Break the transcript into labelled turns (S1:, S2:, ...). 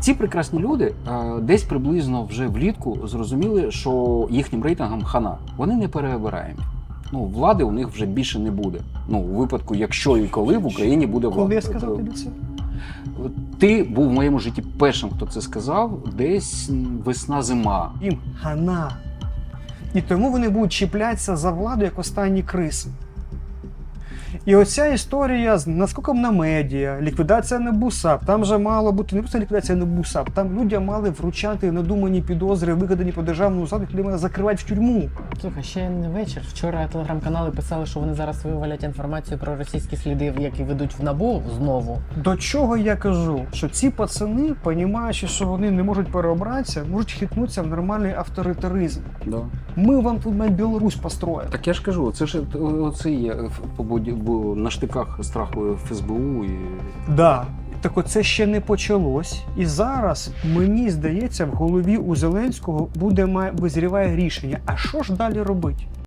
S1: Ці прекрасні люди десь приблизно вже влітку зрозуміли, що їхнім рейтингам хана. Вони не переобираємі. Ну, влади у них вже більше не буде. Ну, у випадку, якщо і коли в Україні буде влада.
S2: Коли я сказав тобі це?
S1: Ти був в моєму житті першим, хто це сказав, десь весна-зима.
S2: Їм хана. І тому вони будуть чіплятися за владу, як останні криси. І оця історія з наскоком на медіа, ліквідація НАБУ САП, там же мало бути не просто ліквідація НАБУ САП, там людям мали вручати надумані підозри, вигадані по державному заду, які мали закривати в тюрму.
S3: Слухай, ще не вечір. Вчора телеграм-канали писали, що вони зараз вивалять інформацію про російські сліди, які ведуть в НАБУ знову.
S2: До чого я кажу? Що ці пацани, розуміючи, що вони не можуть переобратися, можуть хитнутися в нормальний авторитаризм.
S1: Да.
S2: Ми вам тут навіть Білорусь построїмо.
S1: Так я ж кажу, це ж оце є на штиках страху ФСБУ. І...
S2: Да. Так оце ще не почалось. І зараз, мені здається, в голові у Зеленського визріває рішення. А що ж далі робити?